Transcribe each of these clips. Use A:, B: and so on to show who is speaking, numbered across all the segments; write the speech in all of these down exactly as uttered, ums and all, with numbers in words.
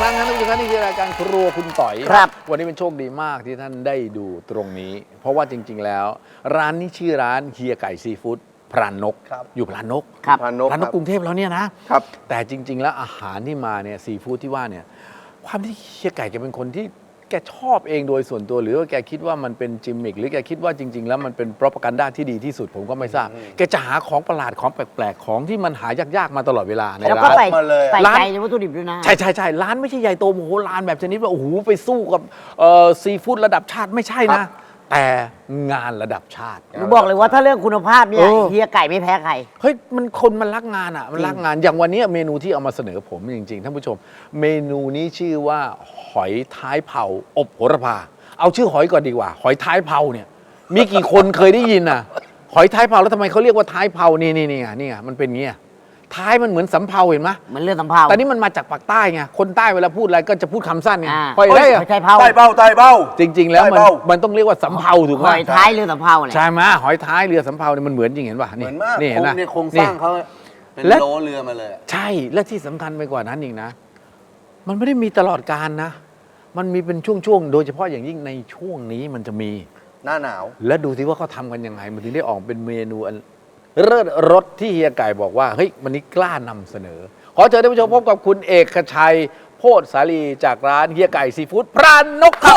A: ครั้งนั้นทุกท่านนี่คือรายการครัวคุณต่อยครับวันนี้เป็นโชคดีมากที่ท่านได้ดูตรงนี้เพราะว่าจริงๆแล้วร้านนี้ชื่อร้านเฮียไก่ซีฟู้ดพรานนกอยู่พรานนก
B: ครับ
A: พรานนกพรานนกกรุงเทพแล้วเนี่ยนะครับแต่จริงๆแล้วอาหารที่มาเนี่ยซีฟู้ดที่ว่าเนี่ยความที่เฮียไก่แกเป็นคนที่แกชอบเองโดยส่วนตัวหรือว่าแกคิดว่ามันเป็นจิมมิคหรือแกคิดว่าจริงๆแล้วมันเป็นโปรปกันด้าที่ดีที่สุดผมก็ไม่ทราบแกจะหาของประหลาดของแปลกๆของที่มันหายากๆมาตลอดเวลาในร้านแล้วก็
B: ใส่ใส่ใจในวัตถุดิบด้วยนะ
A: ใช่ใช่ใช่ร้านไม่ใช่ใหญ่โตโมโหลานแบบชนิดว่าโอ้โหไปสู้กับซีฟู้ดระดับชาติไม่ใช่นะแต่งานระดับชาติ
B: ผมบอกเลยว่าถ้าเรื่องคุณภาพเนี่ยเฮียไก่ไม่แพ้ใคร
A: เฮ้ยมันคนมันรักงานอ่ะมันรักงานอย่างวันนี้เมนูที่เอามาเสนอผมจริงๆท่านผู้ชมเมนูนี้ชื่อว่าหอยท้ายเผาอบโหระพาเอาชื่อหอยก่อนดีกว่าหอยท้ายเผาเนี่ยมีกี่คนเคยได้ยินอ่ะหอยท้ายเผาแล้วทำไมเขาเรียกว่าท้ายเผานี่นี่นี่ไงนี่ไงมันเป็นงี้ท้ายมันเหมือนสำเภาเห็นไหม
B: เหมือนเรื่องสำเภา
A: แต่นี่มันมาจากปากใต้ไงคนใต้เวลาพูดอะไรก็จะพูดคำสั้นไง
B: หอยได้
A: ใต้
B: เผา
C: ใต้เบ้าใต้เบ้า
A: จริงๆแล้วมันมันต้องเรียกว่าสำเภาถูกไหม
B: หอยท้ายเรือสำเภาเนี่ย
A: ใช่ไหมหอยท้ายเรือสำเภาเนี่ยมันเหมือนจริงเห็นป่ะนี่นี่เห็นไหม
C: โครงสร้างเขาเป็นโลเรือมาเลย
A: ใช่และที่สำคัญไปกว่านั้นอีกนะมันไม่ได้มีตลอดกาลนะมันมีเป็นช่วงๆโดยเฉพาะอย่างยิ่งในช่วงนี้มันจะมี
C: หน้าหนาว
A: และดูสิว่าเขาทำกันยังไงมันถึงได้ออกเป็นเมนูอันเลิศรสที่เฮียไก่บอกว่าเฮ้ยวันนี้กล้านำเสนอขอเชิญท่านผู้ชมพบกับคุณเอกชัยโพธสาลีจากร้านเฮียไก่ซีฟู้ดพรานนกครับ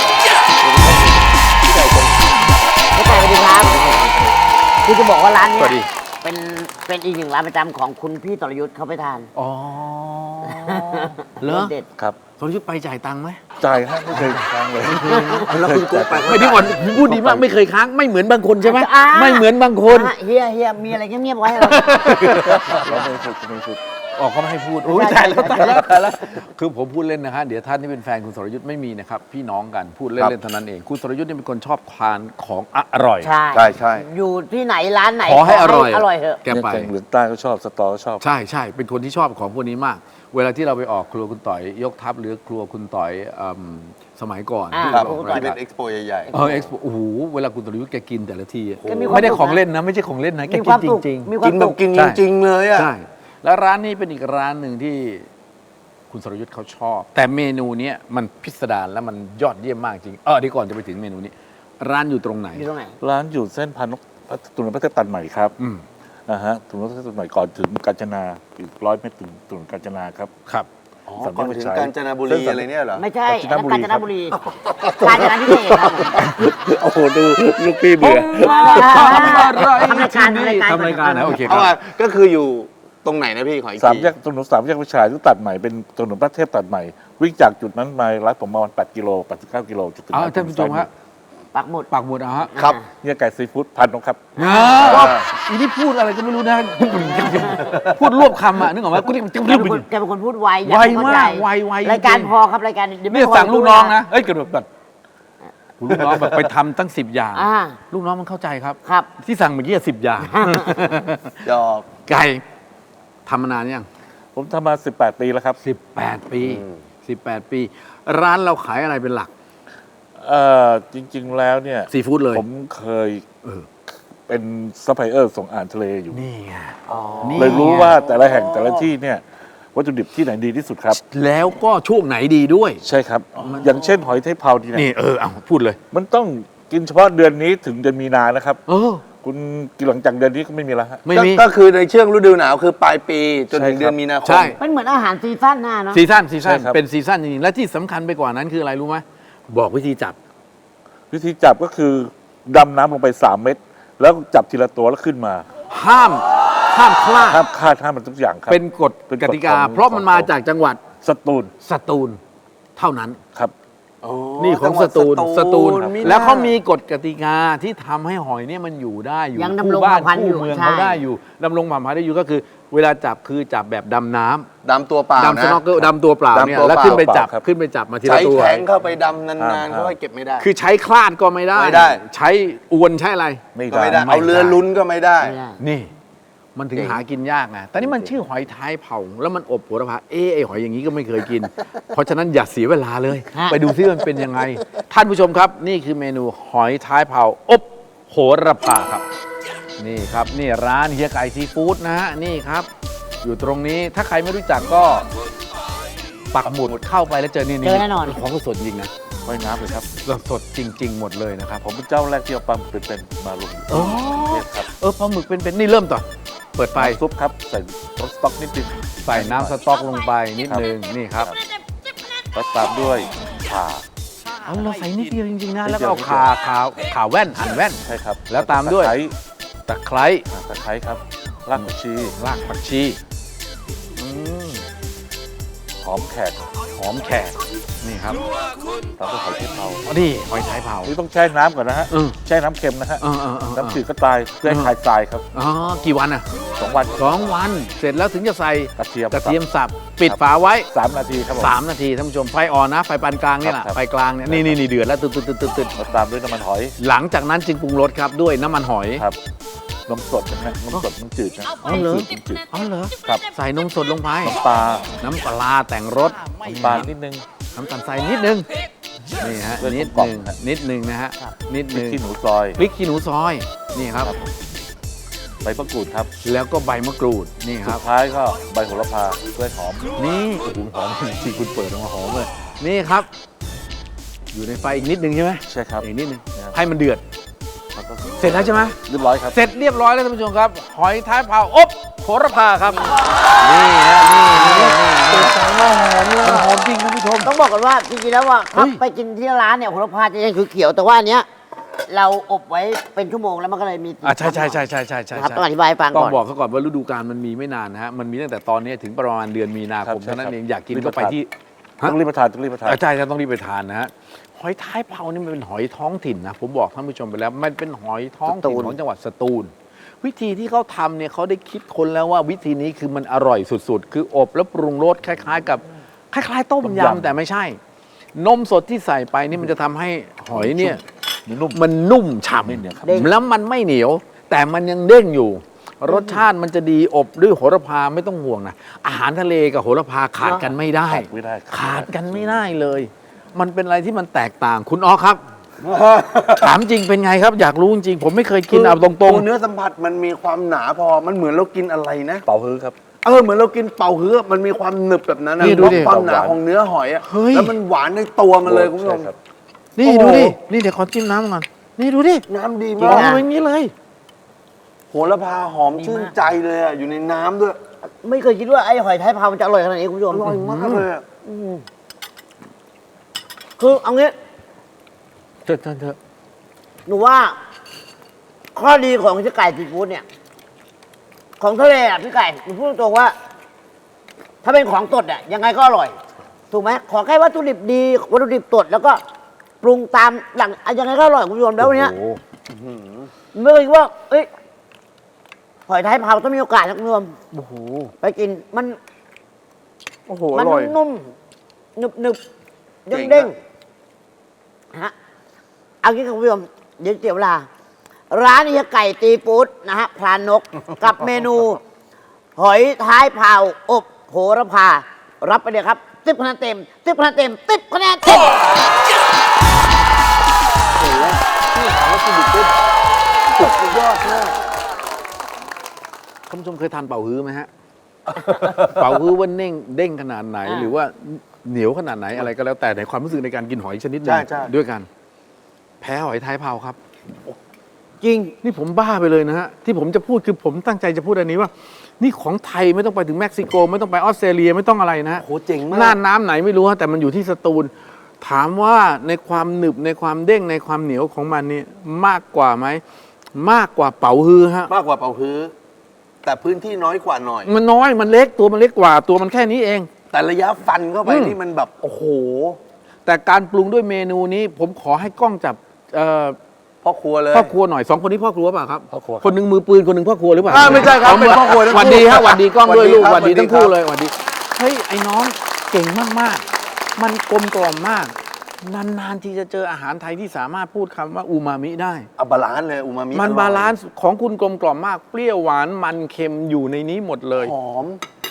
B: พี่ไก่สวัสดีครับคือจะบอกว่าร้านนี้เป็นเป็นอีกหนึ่งร้านประจำของคุณพี่ตรยุทธ์เขาไปทาน
A: อ๋อเหรอ
B: เด็ด
C: ครับ
A: ตรยุทธ์ไปจ่ายตังค์ไหม
C: จ่ายครับไม่เคยค้างเลย
A: แล้วคุณไปไม่ได้ก่อนพูดดีมากไม่เคยค้างไม่เหมือนบางคนใช่ไหมไม่เหมือนบางคน
B: เฮียเฮียมีอะไรเงียบๆไว้เรา
C: ไม่ฝึกไม่ฝึก
A: ออกเขาไม่ให้พูดโอ้ยตายแล้วตายแล้วตายแล้วคือผมพูดเล่นนะฮะเดี๋ยวท่านที่เป็นแฟนคุณสรยุทธ์ไม่มีนะครับพี่น้องกันพูดเล่นๆเท่านั้นเองคุณสรยุทธ์เนี่ยเป็นคนชอบทานของอร่อย
B: ใช่
C: ใช่ใช่
B: อยู่ที่ไหนร้านไหน
A: ขอให้อร่อย
B: อร่อยเถอะ
A: แกไป
C: เหลืองใต้ก็ชอบสตอก็ชอบ
A: ใช่ใช่เป็นคนที่ชอบของพวกนี้มากเวลาที่เราไปออกครัวคุณต่อยยกทัพหรือครัวคุณต่อยสมัยก่อน
C: ที่เป็นเอ็กซ์โปใหญ่
A: ๆเออเอ็กซ์โปโอ้โหเวลาคุณสรยุทธ์แกกินแต่ละทีไม่ได้ของเล่นนะไม่ใช่ของเล่นนะแกกินจริง
C: ๆกินแบบกินจริงๆเลยอ่ะ
A: ใช่แล้วร้านนี้เป็นอีกร้านหนึ่งที่คุณสรยุทธ์เขาชอบแต่เมนูนี้มันพิสดารและมันยอดเยี่ยมมากจริงเออเดี๋ยวก่อนจะไปถึงเมนูนี้ร้านอยู่ตรงไหน
B: อยู่ตรงไหน
C: ร้านอยู่เส้นพานกถนนพระเทพตัดใหม่ครับ
A: อืม
C: นะฮะถนนพระเทพตัดใหม่ก่อนถึงกาญจนาอีกร้อยเมตรถึงถนนกาญจนาครับ
A: ครับ
C: ก่อนถึงกาญจนบุรีอะไรเนี่ยเหรอ
B: ไม่ใช่กาญจนบุรีกาญจนพิเศษครับ
C: โอ้โหดูลูกพี่เบื่อ
B: ทำรายการ
A: ทำรายการนะโอเค
C: ครับก็คืออยู่ตรงไหนนะพี่ขออีกทีสามแยกถนนสามแยกวิชัยที่ตัดใหม่เป็นถนนพระเทพตัดใหม่วิ่งจากจุดนั้นมาร้านผมประมาณแปดกิโลแปดสิบเก้ากิโลจุดถึงร้าน
A: ท่านผู้ชมฮะ
B: ปักหมุด
A: ปักหมุดอะฮะ
C: ครับเนี่ยไก่ซีฟู้ดพันนกครับ
A: อีนี่พูดอะไรก็ไม่รู้นะพูดรวบคำอ่ะนึกออกไหมกูนี่มัน
B: แกเป็นคนพูดไว
A: ไวมากไวไว
B: รายการพอครับรายการ
A: นี่สั่งลูกน้องนะเอ้ยกระโดดแบบลูกน้องแบบไปทำตั้งสิบอย่างลูกน้องมันเข้าใจครับ
B: ครับ
A: ที่สั่งเมื่อกี้สิบอย่าง
C: จอบ
A: ไก่ทำมานานยัง
C: ผมทำมาสิบแปดปีแล้วครับ
A: สิบแปดปีสิบแปดปีร้านเราขายอะไรเป็นหลัก
C: เอ่อจริงๆแล้วเนี่ย
A: ซีฟู้ดเลย
C: ผมเคยเป็นซัพพลายเออร์ส่งอาหารทะเลอยู่
A: นี่ไง
C: เลยรู้ว่าแต่ละแห่งแต่ละที่เนี่ยวัตถุดิบที่ไหนดีที่สุดครับ
A: แล้วก็ช่วงไหนดีด้วย
C: ใช่ครับอย่างเช่นหอยเทพเผาที่
A: นี่เออเอาพูดเลย
C: มันต้องกินเฉพาะเดือนนี้ถึงเดือนมีนานะครับ
A: เออ
C: คุณกินหลังจากเดือนนี้ก็ไม่มีแล้วฮะ
A: ไม่มี
C: ก็คือในช่วงฤดูหนาวคือปลายปีจนถึงเดือนมีนาคม
B: มันเหมือนอาหารซีซั่นหน้าเนาะ
A: ซีซั่นซีซั่นเป็นซีซั่นจริงๆและที่สำคัญไปกว่านั้นคืออะไรรู้ไหมบอกวิธีจับ
C: วิธีจับก็คือดำน้ำลงไปสามเม็ดแล้วจับทีละตัวแล้วขึ้นมา
A: ห้ามห้ามคลาด
C: ห้ามคลาดห้ามมันทุกอย่างครับ
A: เป็นกฎกติกาเพราะมันมาจากจังหวัด
C: สตูล
A: สตูลเท่านั้น
C: ครับ
A: นี่ของสตูลสตูลแล้วเขามีกฎกติกาที่ทำให้หอยเนี่ยมันอยู่ได้อยู่
B: คู่
A: บ้านคู่เมืองเขาได้อยู่ดำรงผ่านพันธุ์ได้อยู่ก็คือเวลาจับคือจับแบบดำน้ำ
C: ดำตัวเปล่า
A: ดำสโนว์เกิลดำตัวเปล่าเนี่ยแล้วขึ้นไปจับขึ้นไปจับมาทีละตัว
C: ใช้แข็งเข้าไปดำนานๆก็เก็บไม่ได้
A: คือใช้คลาดก็ไม่ได้ใช้อวนใช้อะไร
C: ไม่ได้เอาเรือลุ้นก็ไม่ได้
A: นี่มันถึงหากินยากไงแต่นี่มันชื่อหอยท้ายเผาแล้วมันอบโหระพาเอ๊ะไอหอยอย่างนี้ก็ไม่เคยกินเพราะฉะนั้นอย่าเสียเวลาเลยไปดูซิมันเป็นยังไงท่านผู้ชมครับนี่คือเมนูหอยท้ายเผาอบโหระพาครับนี่ครับนี่ร้านเฮียไก่ซีฟู้ดนะฮะนี่ครับอยู่ตรงนี้ถ้าใครไม่รู้จักก็ปักหมุดเข้าไปแล้วเจอนี่
B: เจอแน่นอน
A: ของสดจริงนะ
C: ว่ายน้ำเลยครับ
A: สดจริง ๆ หมดเลยนะครับ
C: ผมเป็นเจ้าแรกที่เอาปลาหมึกเป็นๆมาลง
A: อ๋อ
C: เทศครับ
A: เออปลาหมึกเป็นๆนี่เริ่มต่อเปิดไฟ
C: ซุปครับใส่รสสต๊อกนิดนึง
A: ใส่น้ำสต๊อกลงไปนิดนึงนี่ครับ
C: แล้วตามด้วยข่า
A: เอาเราใส่นิดเดียวจริงๆนะ
C: นิดเดียว
A: แล้วก็เอาขาขาขาแว่นหั่นแว่น
C: ใช่ครับ
A: แล้วตามด้วย
C: ตะไคร้
A: ตะไคร้
C: อ่าตะไคร้ครับรากผักชี
A: รากผักชีอืม
C: หอมแขก
A: หอมแขกนี่ครับ
C: ตามด้วยหอยเชฟเผา
A: อ๋อนี่หอยท้ายเผา
C: นี่ต้องแช่น้ำก่อนนะฮะ
A: เออ
C: แช่น้ำเค็มนะฮะ
A: เออเออเออ
C: น้ำจืดก็ตายเพื่อให้คลายทรายครับ
A: อ๋อกี่วันอ่ะ
C: สองวัน
A: สองวันเสร็จแล้วถึงจะใส่
C: กระเทียม
A: กระเทียมสับปิดฝาไว้
C: สามนาทีครับผม
A: สามนาทีท่านผู้ชมไฟอ่อนนะไฟปานกลางนี่แหละ
C: ครับ
A: ไฟกลางเนี่ยนี่นี่นี่เดือดแล้วตึ๊ดตึ๊ดตึ๊ดตึ๊ดตึ๊ด
C: แล้วตามด้วยน้ำมันหอย
A: หลังจากนั้นจึงปรุงรสครับด้วยน้ำมันหอย
C: ครับนมสดนะฮะนมสดน้ำจืดนะ
A: อ๋อเหรอ
C: น้ำจืดน้ำจืด
A: อ๋อเหรอ
C: ครับ
A: ใส่นมสดลงไป
C: น้ำปลา
A: น้ำปลาแต่งรส
C: น้ำปลานิดนึง
A: น้ำตาลทรายนิดนึงนี่ฮะ
C: เรื่อง
A: นิด
C: กล
A: ห
C: ม
A: นึ่ง
C: ๆฮะ
A: นิดหนึ่งนะฮะนิด
C: พ
A: ห
C: ริก
A: นึ่ง
C: ขี้หนูซอย
A: พริกขี้หนูซอยนี่ครับ
C: ครับใบมะกรูดครับ
A: แล้วก็ใบมะกรูดนี่ค
C: สุ
A: รับ
C: ดท้ายก็ใบโหระพาเพื่อให้หอม
A: นี่โอ้โหหอมจริงๆคุณเปิดออกมาหอมเลยนี่ครับ อยู่ในไฟอีกนิดนึงใช่ไหม
C: ใช่ครับ
A: อีกนิดนึง
C: ครับ
A: ให้มันเดือด
C: แล้วก็
A: เสร็จแล้วใช่ไหม
C: เรียบร้อยครับ
A: เสร็จเรียบร้อยแล้วท่านผู้ชมครับ หอยท้ายเผาอบโหระพาครับ นี่ฮะนี่นี่นี่มันหอมจริงท่านผู้ชม
B: ต้องบอกกันว่าจริงๆแล้วว่า
A: เฮ้ย
B: ไปกินที่ร้านเนี่ยโหระพาจะยังเขียวๆแต่ว่าอันเนี้ยเราอบไว้เป็นชั่วโมงแล้วมันก็เลยมี
A: อ่ะใช่ใช่ใช่ใช่ใช่ใช่
B: นะครับต้องอธิบายให้ฟัง
A: ต้อ
B: ก่
A: ง
B: อน
A: บอกเขาก่อนว่าฤดูกาลมันมีไม่นานนะฮะมันมีตั้งแต่ตอนนี้ถึงประมาณเดือนมีนาคม
C: ครับใช่
A: เท่านั้น
C: ครับ
A: เองอยากกิน
C: รีบ
A: ก็ไป
C: ไปทาน
A: ที่ ฮะ
C: ต้องรีบมาทานต้องรีบมาทาน
A: อ่ะใช่ใช่ต้องรีบไปทานนะฮะหอยท้ายเผานี่มันเป็นหอยท้องถิ่นนะผมบอกท่านผู้ชมไปแล้วมันเป็นหอยท้องถิ่นของจังหวัดสตูล วิธีที่เขาทำเนี่ยเขาได้คิดคนแล้วว่าวิธีนี้คือมันอร่อยสุดๆ คืออบแล้วปรุงรสคล้าย ๆ กับคล้ายๆ ต้ม
C: ต้ม
A: ยำ
C: ยำ
A: แต่ไม่ใช่ นมสดที่ใส่ไปนี่มันจะทำให้หอยเนี่ย
C: นุ่ม
A: มันนุ่มฉ่
C: ไม่เหนียวครับ
A: ำแล้วมันไม่เหนียว แต่มันยังเด้งอยู่ รสชาติมันจะดีอบด้วยโหระพาไม่ต้องห่วงนะอาหารทะเลกับโหระพาขาดกันไม่ได้
C: ขาดไม่ได้
A: ขาดกันไม่ได้เลย มันเป็นอะไรที่มันแตกต่างคุณอ๋อครับ ถามจริงเป็นไงครับ อยากรู้จริงๆผมไม่เคยกินเอาตรง
D: ตัวเนื้อสัมผัสมันมีความหนาพอ มันเหมือนเรากินอะไรนะ
C: เป่าฮื้อครับ
D: เออเหมือนเรากินเป่าฮื้อมันมีความหนึบแบบนั้นนะ
A: นี่ดูดิ
D: เพราะความหนาของเนื้อหอยอะ
A: เฮ้ย
D: แล้วมันหวานในตัวมันเลยคุณผู้ชม
C: ใช่ครับ
A: ๆนี่
D: โอ้
A: ดู
D: โห
A: ดินี่เดี๋ยวขอจิ้มน้ำก่อนนี่ดูดิ
D: น้ำดี
A: ม
D: มา
A: อง
D: ก
A: มาอย่างนี้เลย
D: โหระพาหอมชื่นใจเลยอะอยู่ในน้ำด้วย
B: ไม่เคยคิดว่าไอ้หอยท้ายเผามันจะอร่อยขนาดนี้คุณผู้ช
D: อ
B: ม
D: ร่อยมากเลยอะ
B: คือเอางี้
A: เถอะเถอะเถอะ
B: หนูว่า ข้อดีของพี่ไก่ซีฟู้ดเนี่ย ของทะเลอ่ะพี่ไก่หนูพูดตรงๆว่า ถ้าเป็นของสดอ่ะยังไงก็อร่อย ถูกไหมขอแค่วัตถุดิบดีวัตถุดิบสดแล้วก็ปรุงตามหลังอ่ะยังไงก็อร่อยคุณผู้ชมแล้ววันเนี้ย
A: โอ้โห
B: ไม่เคยคิดว่า เอ้ยหอยท้ายเผาต้องมีโอกาสนะคุณผู้ชม
A: โอ้โห
B: ไปกินมัน
D: โอ้โห
B: มั
D: อร่อย
B: นุ่มหนึบหนึบ
D: เจ๋
B: เด้ง
D: ง
B: เด้ง
D: อะ
B: ฮะเอางี้คุณผู้ชมเดี๋ยวเสียเวลา ร้านเฮียไก่ตีฟู้ดนะฮะพรานนก กับเมนู หอยท้ายเผาอบโหระพา รับไปเลยครับสิบคะแนนเต็มสิบคะแนนเต็มสิบคะแนนเต็ม
D: โอ้โหที่ถามว่าสุดยอดสุดยอดมาก
A: ท่านผู้ชมเคยทานเป่าฮื้อไหมฮะ เป่าฮื้อว่าเด้งเด้งขนาดไหน
B: อ่า
A: หรือว่าเหนียวขนาดไหนอะไรก็แล้วแต่ในความรู้สึกในการกินหอยชนิดหนึ
D: ใช่
A: ง
D: ใช่
A: ด้วยกัน แพ้หอยท้ายเผาครับ
B: จริง
A: นี่ผมบ้าไปเลยนะฮะ ที่ผมจะพูดคือผมตั้งใจจะพูดอันนี้ว่า นี่ของไทยไม่ต้องไปถึงเม็กซิโก ไม่ต้องไปออสเตรเลียไม่ต้องอะไรนะฮะ
D: โหเจ๋งมาก
A: น่านน้ำไหนไม่รู้ฮะแต่มันอยู่ที่สตูล ถามว่าในความหนึบในความเด้งในความเหนียวของมันนี่มากกว่าไหมมากกว่าเป๋าฮือฮะ
D: มากกว่าเป่าฮื้อแต่พื้นที่น้อยกว่าหน่อย
A: มันน้อยมันเล็กตัวมันเล็กกว่าตัวมันแค่นี้เอง
D: แต่ระยะฟันเข้าไป
A: อืม
D: นี่มันแบบ โอ้โห
A: แต่การปรุงด้วยเมนูนี้ผมขอให้กล้องจับเอ่อ
D: พ่อครัวเลย
A: พ่อครัวหน่อยสองคนนี้พ่อครัวเปล่าครับ
C: พ่อครัวครับ
A: คนหนึ่งมือปืนคนหนึ่งพ่อครัวหรือเปล่า
D: อ่าไม่ใช่ครับเป็นพ่อครัวทั้งคู่
A: หวัดดีฮะหวัดดีกล้องด้วย
D: หวัดดี
A: ลูก
D: ครับ
A: หวัดดี
D: หวัดดี
A: ทั้งคู่
D: ครับ
A: เลยหวัดดีเฮ้ยไอ้น้องเก่งมากๆ มันกลมกล่อมมาก นานๆที่จะเจออาหารไทยที่สามารถพูดคำว่าอูมามิได้
D: เอาบาลานซ์เลยอูมามิ
A: มัน
D: อร่อย
A: บาลานซ์ของคุณกลมกล่อมมาก เปรี้ยวหวานมันเค็มอยู่ในนี้หมดเลย
D: หอม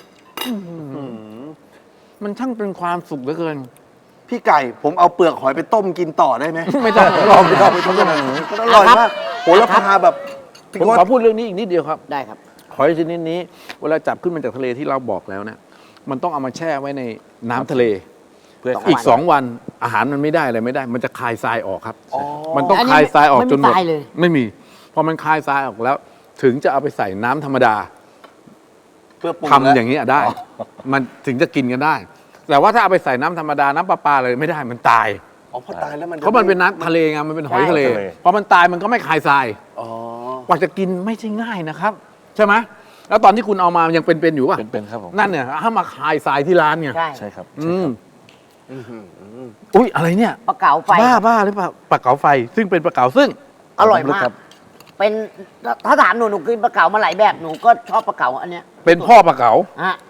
A: มันช่างเป็นความสุขเหลือเกิน
D: พี่ไก่ผมเอาเปลือกหอยไปต้มกินต่อได้ไหม
A: ไม่ต้อง
D: ลองไปลองไปต้มกันหน่อยมันอร่อยมากโหระพาแบบพี่
A: ผม
D: โก้
A: ขอพูดเรื่องนี้อีกนิดเดียวครับ
B: ได้ครับ
A: หอยชนิดนี้เวลาจับขึ้นมาจากทะเลที่เราบอกแล้วเนี่ยมันต้องเอามาแช่ไว้ในน้ำทะเล
C: เพื่อ
A: อีกสองวันอาหารมันไม่ได้อะไรไม่ได้ มันจะคายทรายออกครับ
D: อ๋อ
A: มันต้อง
B: อันนี้
A: คายทรายออก
B: ไม่มี
A: จนหมด
B: ทรายเลย
A: ไม่มี พอมันคายทรายออกแล้ว ถึงจะเอาไปใส่น้ำธรรมดา
D: เพื่อปรุง
A: ทำ
D: แล้ว
A: อย่างนี้ยได้ มันถึงจะกินกันได้ แต่ว่าถ้าเอาไปใส่น้ำธรรมดาน้ำประปาเลยไม่ได้มันตาย
D: อ๋อพอตายแล้วมันจะ
A: เพราะมันเป็นน้ำทะเลไงมันเป็นหอยทะเล
C: ใช่ทะเล
A: พอมันตายมันก็ไม่คายทราย
D: อ๋อก
A: ว่าจะกินไม่ใช่ง่ายนะครับ ใช่ไหมแล้วตอนที่คุณเอามายังเป็นๆอยู่ป่ะ
C: เป็นๆครับผม
A: นั่นเนี่ยถ้ามาคายทรายที่ร้านเนี่ย
B: ใช่
C: ใช่ครับ
A: อืม
D: อื้อหือ
A: อุ้ยอะไรเนี่ย
B: ปลาเก๋าไฟ
A: บ้าบ้าหรือเปล่าปลาเก๋าไฟ ซึ่งเป็นปลาเก๋าซึ่ง
B: อร่อยมาก
C: ครับ
B: เป็นถ้าถามหนูหนูกินปลาเก๋ามาหลายแบบหนูก็ชอบปลาเก๋าอันเนี้ย
A: เป็นพ่อปลาเก๋า
B: ฮะ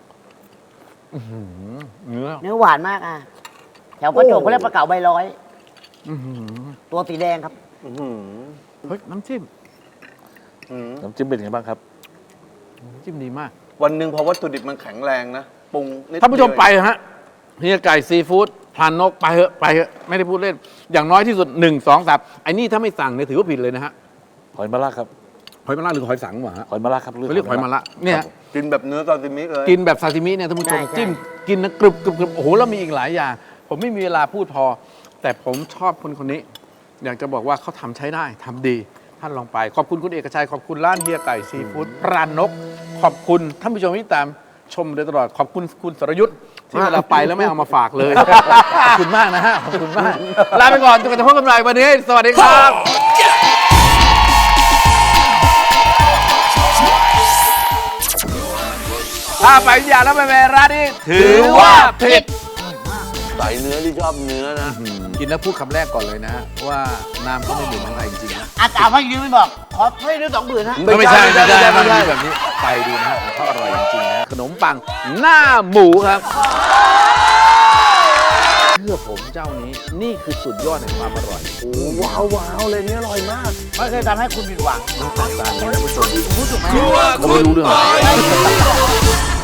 A: เนื้อ
B: เนื้อหวานมากอ่ะแถวประจวบเขาเรียกปลาเก๋าใบร้อย
A: อื้อหือ
B: ตัวสีแดงครับ
D: อื้อหือ
A: เฮ้ยน้ำจิ้ม
D: อื้อหือ
C: น้ำจิ้มเป็นยังไงบ้างครับ
A: น้ำจิ้มดีมาก
D: วันหนึ่งพอวัตถุดิบมันแข็งแรงนะปรุงนิด
A: ท่านผู้ชม
D: เดียว
A: ไปฮะเฮียไก่ซีฟู้ดพลานนกไปเถอะไปเถอะไม่ได้พูดเล่น อย่างน้อยที่สุดหนึ่งสองสามไอ้นี่ถ้าไม่สั่งเนี่ยถือว่าผิดเลยนะฮะ
C: หอยมะระครับ
A: หอยมะระหรือหอยสังวะฮะ
C: หอยมะระครับ
A: เขาเรียกหอยมะระเนี่ย
C: ครับผม
D: กินแบบเนื้อซาซิมิเลย
A: กินแบบซาซิมิเนี่ยท่านผู้ชม
B: ใช่ใช่
A: จิ้มกินนะกรึบกรึบกรึบโอ้โหแล้วมีอีกหลายอย่าง ผมไม่มีเวลาพูดพอ แต่ผมชอบคนคนนี้ อยากจะบอกว่าเขาทำใช้ได้ทำดี ท่านลองไป ขอบคุณคุณเอกชัย ขอบคุณร้านเฮียไก่ซีฟู้ดพรานนก ขอบคุณท่านผู้ชมที่ตามชมโดยตลอด ขอบคุณคุณสรยุทธ์ที่เวลาไปแล้วไม่เอามาฝากเลย ขอบคุณมากนะฮะ ขอบคุณมาก ลาไปก่อนจนกว่าจะพบกันใหม่วันนี้ สวัสดีครับ ถ้าไปวิทยาแล้วไปแม่ร้านนี้ถือว่าผิด
D: ใส่เนื้อที่ชอบเนื้อนะ
A: กินแล้วพูดคำแรกก่อนเลยนะฮะว่าน้ำก็ไม่เหมือนเมืองไทยจริงๆนะ
B: อาจารย์พักยืนไม่บอก ขอให้ด้วยสองหมื่นฮะ
D: ไม่
A: ไม่
D: ใช่
A: ใช่ไม่ใช่
D: ไม่
A: มัน
D: ใช่
A: มีแบบนี้ไปดูนะฮะของเขาอร่อยจริงๆนะขนมปังหน้าหมูครับเชื่อผมเจ้านี้นี่คือสุดยอดแห่งความอร่อย
D: โอ้ว้าวว้าวเลยเนี่ยอร่อยมาก
B: ไม่เคยทำให้คุณผิดหวัง
A: ต้องแตกต่างกันนะผู้ชม
B: รู้สึกไหม
A: ผมไม่รู้เรื่องอะไร